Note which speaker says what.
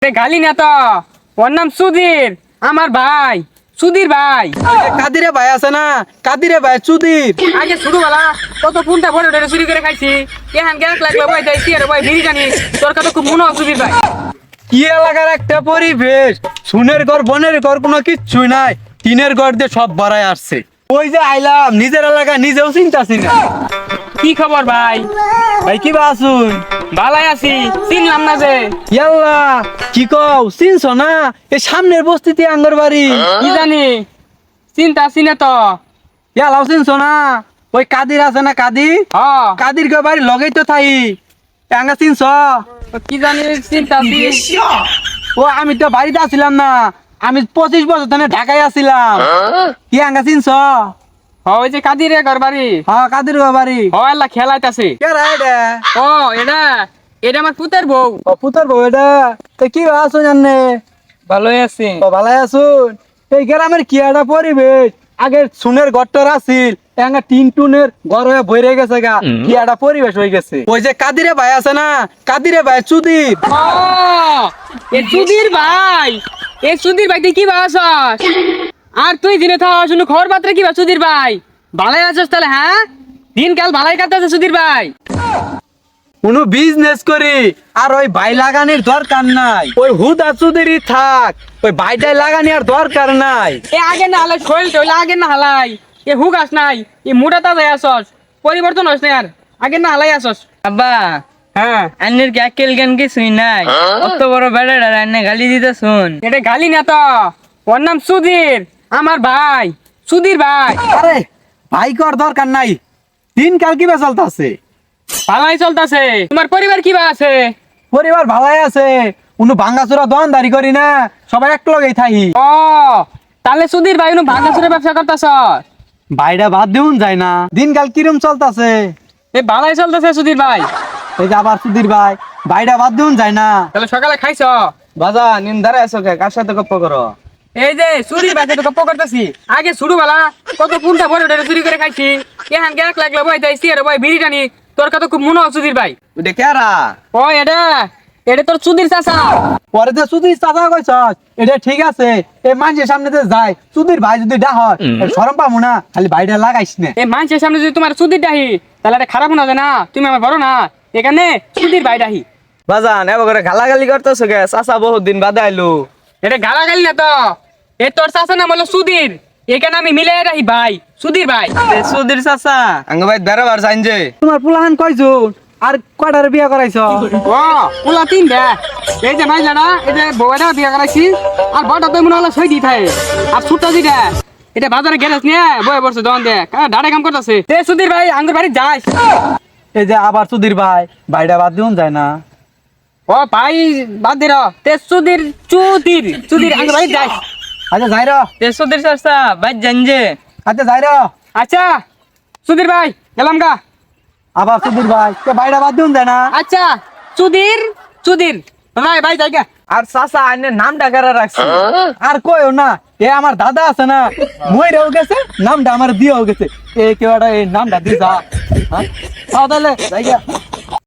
Speaker 1: গালি না তো, ওর নাম সুধীর, আমার ভাই সুধীর ভাই।
Speaker 2: কাদিরে ভাই আছে না, কাদিরে ভাই সুধীর।
Speaker 1: আগে ছোটবেলা কত কোনটা বড় ধরে চুরি করে খাইছি, এখান গ্যাস লাগলে ভাই যাইছি আর ভাই বিড়ি জানি তোর কথা খুব মনে হয় সুধীর ভাই।
Speaker 2: কি এলাকার একটা পরিবেশ, সুনের ঘর বনের ঘর কোনো কিচ্ছুই নাই, টিনের ঘর দিয়ে সব ভরায় আসছে। ওই যে আইলাম নিজের এলাকা নিজেও চিন্তাছি না।
Speaker 1: কি খবর ভাই?
Speaker 2: ভাই কি বা আসুন?
Speaker 1: ভালাই আছি, চিনলাম না যে।
Speaker 2: ইয়াল্লা কি কও, চিনছ না? এই সামনের বস্তিতে আঙ্গর বাড়ি।
Speaker 1: কি জানি চিন্তা আছি না তো।
Speaker 2: ইয়ালাও চিনছ না? ওই কাদির আছে না, কাদির
Speaker 1: হ্যাঁ
Speaker 2: কাদির কে বাড়ি লগেই তো থাই। আঙ্গা চিনছ?
Speaker 1: কি জানি চিন্তা আছি।
Speaker 2: ও আমি তো বাড়িতে আসছিলাম না, আমি 25 বছর ধরে ঢাকায় আসছিলাম। কি আঙ্গা চিনছ?
Speaker 1: ওই যে কাদিরে ঘর বাড়ি।
Speaker 2: হ্যাঁ কাদির কে বাড়ি।
Speaker 1: ও আল্লাহ খেলাইতাছে।
Speaker 2: কে রে এটা?
Speaker 1: ও এটা এটা আমার পুতের বউ।
Speaker 2: ও পুতর বউ এটা। তো কি আসুন জানে?
Speaker 1: ভালোই আছি।
Speaker 2: ও ভালাই আসুন। এই গ্রামের কি একটা পরিবেশ, আগে সুনের ঘরটার আছিল, এঙ্গা টিন টুনের ঘর হয়ে বইরে গেছে গা, কি একটা পরিবেশ হয়ে গেছে। ওই যে কাদিরে ভাই আছে না, কাদিরে ভাই সুদীপ।
Speaker 1: ও এ সুধীর ভাই, এ সুধীর ভাই তুই কি বাসস? আর তুই দিনে থাকা শুনু খবর পাত্রে কি বা সুধীর ভাই? ভালাই আছস তাহলে? হ্যাঁ দিনকাল ভালাই কাটতেছে সুধীর ভাই।
Speaker 2: কোনো বিজনেস করি আর ওই ভাই লাগানির দরকার নাই, ওই হুদা চুদেরই থাক, ওই ভাইটাই লাগানি আর দরকার নাই।
Speaker 1: এ আগে না হালাই শৈল টইলে আগে না হালাই, এ হুগাস নাই, এ মোটা তাজাই আসস, পরিবর্তন হস না আর আগে না হালাই আসস।
Speaker 3: আব্বা
Speaker 1: হ্যাঁ
Speaker 3: আন্নের কি আকেল জ্ঞান কিছুই নাই? অত বড় বেড়াটা রান্না গালি দিতে শুন।
Speaker 1: এটা গালি না তো, ওর নাম সুধীর, আমার ভাই সুধীর ভাই।
Speaker 2: আরে ভাই কর দরকার নাই, দিনকাল কিবা চলতেছে?
Speaker 1: ভালাই চলতেছে। তোমার পরিবার কি বা আছে?
Speaker 2: পরিবার ভালাই আছে, কোনো ভাঙ্গাচোরা দোকানদারি করি না, সবাই এক লগেই থাকি।
Speaker 1: ও তাহলে সুধীর ভাই উনি ভাঙাচুরের ব্যবসা করতেছ?
Speaker 2: ভাইটা বাদ দিউন যায় না, দিনকাল কিরম চলতেছে?
Speaker 1: এ ভালাই চলতেছে সুধীর ভাই।
Speaker 2: এই যে আবার সুধীর ভাই, ভাইটা বাদ দিউন যায় না।
Speaker 1: তাহলে সকালে খাইছ?
Speaker 2: বাজা নিন্দারে আছো কে, কার সাথে গপ্প করো?
Speaker 1: এই যে সুধীর ভাই তো গপ্প করতেছি, আগে ছোটবেলা কত কোনটা বড় ধরে চুরি করে খাইছি, এখান গ্যাস লাগলে ভাই যাইছি আর ভাই বিড়ি টানি তোর কথা খুব মনে হয় সুধীর ভাই।
Speaker 2: ওটা কেরা?
Speaker 1: ও এটা এটা তোর সুধীর চাচা।
Speaker 2: পরে যে সুধীর চাচা কইছ, এটা ঠিক আছে, এই মানুষের সামনে যে যায় সুধীর ভাই যদি ডা হয় শরম পাবো না, খালি ভাইটা লাগাইস না।
Speaker 1: এই মানুষের সামনে যদি তোমার সুধীর ডাহি তাহলে এটা খারাপ না যায় না, তুমি আমার বড় না, এখানে সুধীর ভাই ডাহি।
Speaker 3: বাজান এবার করে গালাগালি করতেছো কে? চাচা বহুত দিন বাদে আইলো।
Speaker 1: এটা গালাগালি না তো, এ তোর চাচা নাম হলো সুধীর, এখানে আমি মিলে রাখি ভাই সুধীর ভাই।
Speaker 3: সুধীর চাচা আঙ্গ ভাই বেড়াবার চাইন যে।
Speaker 2: তোমার পুলাহান কয়জন আর কয়টার বিয়া করাইছ?
Speaker 1: ও পুলা তিন দে, এই যে ভাই জানা এই যে বউটা বিয়া করাইছি, আর বড়টা তো মনে হলো সই দি থাকে, আর ছোটটা যেটা এটা বাজারে গ্যারেজ নিয়ে বয়ে বসে দোকান দে ডাড়ে কাম করতেছে। তে সুধীর ভাই আঙ্গুর বাড়ি যাস?
Speaker 2: এই যে আবার সুধীর ভাই, ভাইটা বাদ দিউন যায় না।
Speaker 1: ও ভাই বাদ দে র, তে সুধীর চুদির চুদির আঙ্গুর বাড়ি যাস?
Speaker 2: আচ্ছা যাই র,
Speaker 3: তে সুধীর চাচা ভাই জান যে।
Speaker 2: আচ্ছা যাই র।
Speaker 1: আচ্ছা সুধীর ভাই গেলাম গা।
Speaker 2: আবার সুধীর ভাই, কে ভাইটা বাদ দিউন যায় না।
Speaker 1: আচ্ছা সুধীর সুধীর ভাই ভাই যাই গা।
Speaker 3: আর চাচা আন্নের নামটা কারা রাখছে?
Speaker 2: আর কইও না, এ আমার দাদা আছে না, মইরাও গেছে, নামটা আমার দিয়েও গেছে, এ কেউ একটা এই নামটা দিয়ে যা। হ্যাঁ তাহলে যাই গা।